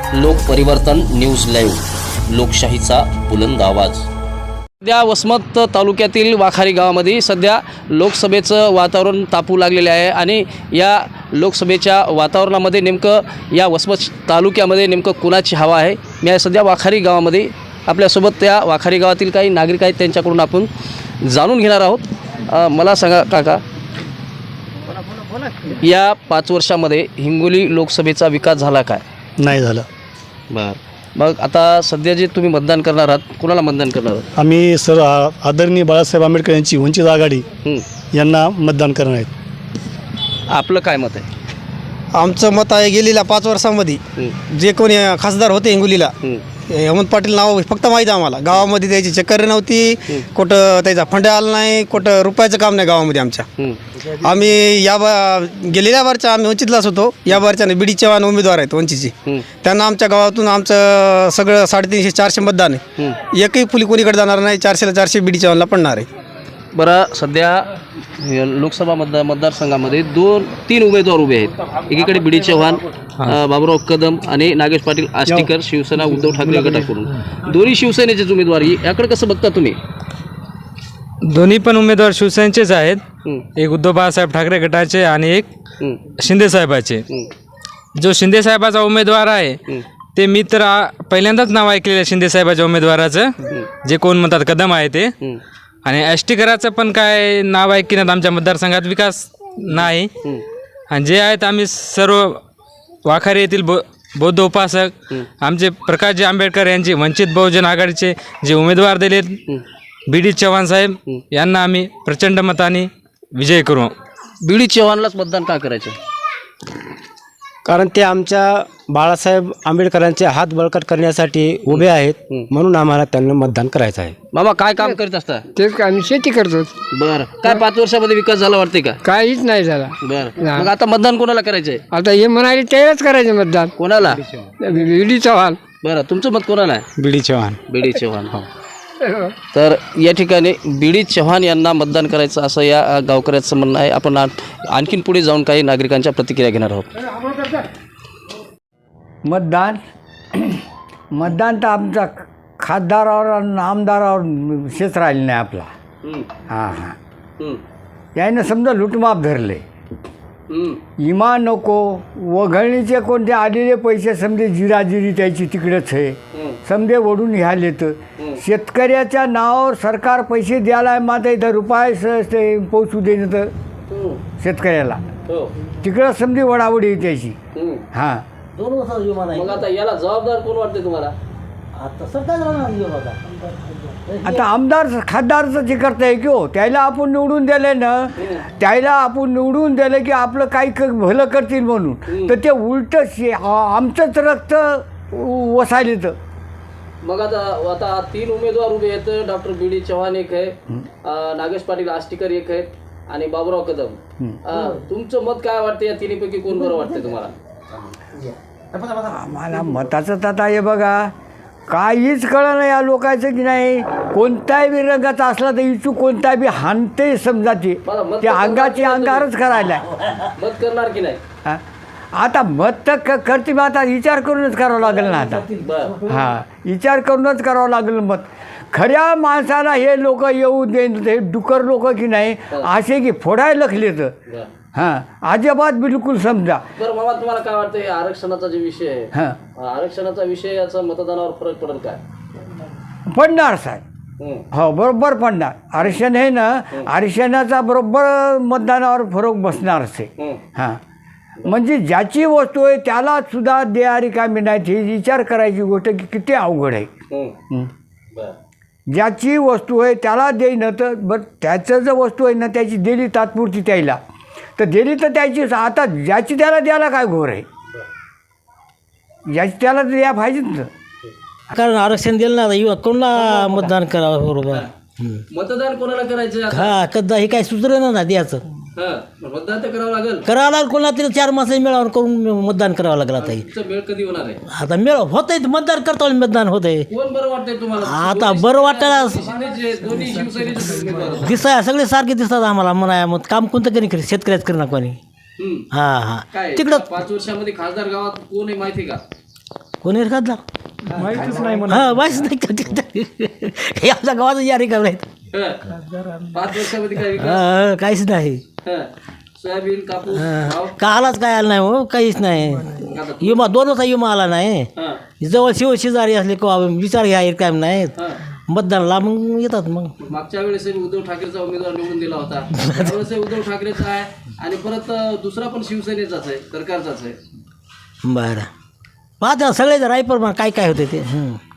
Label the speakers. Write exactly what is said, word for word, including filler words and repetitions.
Speaker 1: लोकपरिवर्तन news live, लोकशाहीचा बुलंद आवाज। सध्या वसमत तालुक्यातील वाखारी गावामध्ये सध्या लोकसभेचं वातावरण तापू लागलेले आहे आणि या लोकसभेच्या वातावरणामध्ये नेमकं या वसमत तालुक्यामध्ये नेमकं कुणाची हवा आहे। मी आहे सध्या वाखारी गावामध्ये, आपल्यासोबत त्या वाखारी गावातील काही नागरिक आहेत, त्यांच्याकडून आपण जाणून घेणार आहोत। मला सांगा काका, या पाच वर्षामध्ये हिंगोली लोकसभेचा विकास झाला काय?
Speaker 2: नाही झालं।
Speaker 1: बरं, मग आता सध्या जे तुम्ही मतदान करणार आहात, कुणाला मतदान करणार आहात?
Speaker 2: आम्ही सर आदरणीय बाळासाहेब आंबेडकर यांची वंचित आघाडी यांना मतदान करणार आहेत।
Speaker 1: आपलं काय मत आहे?
Speaker 3: आमचं मत आहे, गेलेल्या पाच वर्षामध्ये जे कोणी खासदार होते हिंगोलीला, हेमंत पाटील नाव फक्त माहीत आहे आम्हाला। गावामध्ये त्याची चक्कर नव्हती, कुठं त्याचा फंड आला नाही, कुठं रुपयाचं काम नाही गावामध्ये आमच्या। आम्ही या बा गेलेल्या बारच्या आम्ही वंचितलाच होतो, या बारच्याने बी डी चव्हाण उमेदवार आहेत वंचितचे, त्यांना आमच्या गावातून आमचं सगळं साडेतीनशे चारशे मतदान आहे, एकही फुली कोणीकडे जाणार नाही, चारशेला चारशे बी डी चव्हाणला पडणार आहे।
Speaker 1: बरं, सध्या लोकसभा मतदार मतदारसंघामध्ये दोन तीन उमेदवार उभे आहेत। एकीकडे बी डी चव्हाण, बाबुराव कदम आणि नागेश पाटील आष्टीकर, शिवसेना उद्धव ठाकरे गटाकडून। दोन्ही शिवसेनेचेच उमेदवारी, याकडे कसं बघता तुम्ही?
Speaker 4: दोन्ही पण उमेदवार शिवसेनेचेच आहेत, एक उद्धव बाळासाहेब ठाकरे गटाचे आणि एक शिंदे साहेबाचे। जो शिंदे साहेबाचा उमेदवार आहे ते मी तर पहिल्यांदाच नाव ऐकलेलं शिंदे साहेबाच्या उमेदवाराचं, जे कोण म्हणतात कदम आहे ते। आणि आष्टीकराचं पण काय नाव ऐकण्यात आमच्या मतदारसंघात विकास नाही। आणि जे आहेत आम्ही सर्व वाखारी येथील बौ बौद्ध उपासक आमचे प्रकाशजी आंबेडकर यांचे वंचित बहुजन आघाडीचे जे उमेदवार दिलेत बी डी चव्हाण साहेब, यांना आम्ही प्रचंड मताने विजय करू।
Speaker 1: बी डी चव्हाणलाच मतदान का करायचं?
Speaker 3: कारण ते आमच्या बाळासाहेब आंबेडकरांचे हात बळकट करण्यासाठी उभे आहेत, म्हणून आम्हाला त्यांना मतदान करायचं आहे।
Speaker 1: मामा, काय काम करीत असता?
Speaker 5: तेच आम्ही शेती करतो।
Speaker 1: बरं, काय पाच वर्षामध्ये विकास झाला वाटते का?
Speaker 5: काहीच नाही झाला।
Speaker 1: बरं, मग आता मतदान कोणाला करायचंय?
Speaker 5: आता हे म्हणाले त्यालाच करायचं मतदान।
Speaker 1: कोणाला?
Speaker 5: B D Chavan.
Speaker 1: बरं, तुमचं मत कोणाला आहे?
Speaker 2: B D Chavan.
Speaker 1: B D Chavan, हो। तर या ठिकाणी बी डी चव्हाण यांना मतदान करायचं असं या गावकऱ्याचं म्हणणं आहे। आपण आणखीन पुढे जाऊन काही नागरिकांच्या प्रतिक्रिया घेणार आहोत।
Speaker 6: मतदान मतदान तर आमचा खासदारावर आणि आमदारावर विशेष राहिला नाही आपला। हां हां यानं समजा लुटमाप धरले, इमा नको वघळणीचे कोणते आलेले पैसे समजे जिराजिरी त्याची तिकडेच आहे, समजे ओढून घ्याले। तर शेतकऱ्याच्या नावावर सरकार पैसे द्यायला आहे, मात्र इथं रुपये ते पोचू देणं तर शेतकऱ्याला तिकडं समजे वडावडी त्याची। हां,
Speaker 1: मग आता याला जबाबदार कोण वाटते तुम्हाला?
Speaker 6: आता आमदार खासदारचं जे करता आहे की हो, त्याला आपण निवडून दिले ना, त्याला आपण निवडून दिलं की आपलं काही क भलं करतील म्हणून, तर ते उलटं शे आमचंच रक्त वसायले। तर
Speaker 1: मग आता आता तीन उमेदवार उभे आहेत, डॉक्टर बी डी चव्हाण एक आहे, नागेश पाटील आष्टीकर एक आहेत आणि बाबुराव कदम। तुमचं मत काय वाटतं? या तिन्हीपैकी कोण बरं वाटते तुम्हाला?
Speaker 6: आम्हाला मताचं तर आता हे बघा, काहीच कळलं नाही या लोकांचं की नाही, कोणत्याही बी रंगाचा असला तर इचू कोणता बी हाणते समजाचे, ते अंगाची अंगारच करायला
Speaker 1: मत करणार की नाही?
Speaker 6: आता मत तर क करते मग आता विचार करूनच करावं लागेल ना आता। हां, विचार करूनच करावं लागेल मत। खऱ्या माणसाला हे लोक येऊ देत, हे डुकर लोक की नाही असे की फोडायला लखले तर हां अजिबात बिलकुल समजा।
Speaker 1: बरं मामा, तुम्हाला काय वाटतं हे आरक्षणाचा जे विषय आहे,
Speaker 6: हां
Speaker 1: आरक्षणाचा विषय याचा मतदानावर फरक पडेल काय?
Speaker 6: पडणार साहेब, हो बरोबर पडणार। आरक्षण आहे ना, आरक्षणाचा बरोबर मतदानावर फरक बसणारच आहे। हां, म्हणजे ज्याची वस्तू आहे त्याला सुद्धा द्या रिकामी नाही, हे विचार करायची गोष्ट की किती अवघड आहे। ज्याची वस्तू आहे त्याला देईन, तर बरं त्याचं जर वस्तू आहे ना त्याची दिली तात्पुरती त्याला, तर दिली तर त्याची, आता ज्याची त्याला द्यायला काय घोर आहे, ज्याची त्याला द्या पाहिजेत ना।
Speaker 7: कारण आरक्षण दिलं ना, कोणाला मतदान करावं? बरोबर,
Speaker 1: मतदान कोणाला करायचं?
Speaker 7: हा कदा हे काय सुचलं ना द्यायचं,
Speaker 1: मतदान तर करावं लागेल।
Speaker 7: करावं लागेल, कोणाला तरी चार मासे मेळावर करून मतदान करावं लागेल। आता
Speaker 1: मेळ कधी होणार आहे?
Speaker 7: आता मेळ होत आहे, मतदान करता मतदान होत आहे।
Speaker 1: कोण बरं वाटतंय तुम्हाला?
Speaker 7: आता बरं वाटायला
Speaker 1: दोन्ही शिवसेनेचे
Speaker 7: दिसाय सगळे सारखे दिसतात आम्हाला। म्हणा मग काम कोणतं करी शेतकऱ्याच करी ना कोणी। हां हां,
Speaker 1: तिकडं पाच वर्षामध्ये खासदार गावात कोण आहे माहिती का?
Speaker 7: कोणी खासदार माहितीच नाही हां माहितीच नाही हे आमच्या गावाचं या रिकाम नाहीत
Speaker 1: पाच वर्षामध्ये काय विकास?
Speaker 7: हां, काहीच नाही
Speaker 1: हं. सोयाबीन कापूस भाव?
Speaker 7: कालाच काय आलं नाही हो काहीच नाही विमा दोन वर्षा विमा आला नाही
Speaker 1: हं.
Speaker 7: जवळ शिव शेजारी असले किंवा विचार घ्या काय नाहीत
Speaker 1: हं.
Speaker 7: मतदानाला मग येतात मग
Speaker 1: मागच्या वेळेस उद्धव ठाकरेचा उमेदवार निवडून दिला होता त्यावेळेस उद्धव ठाकरेचा आहे आणि परत अं, दुसरा पण शिवसेनेचाच आहे सरकारचाच आहे.
Speaker 7: बरं पाहता सगळे रायपर काय काय होते ते हं.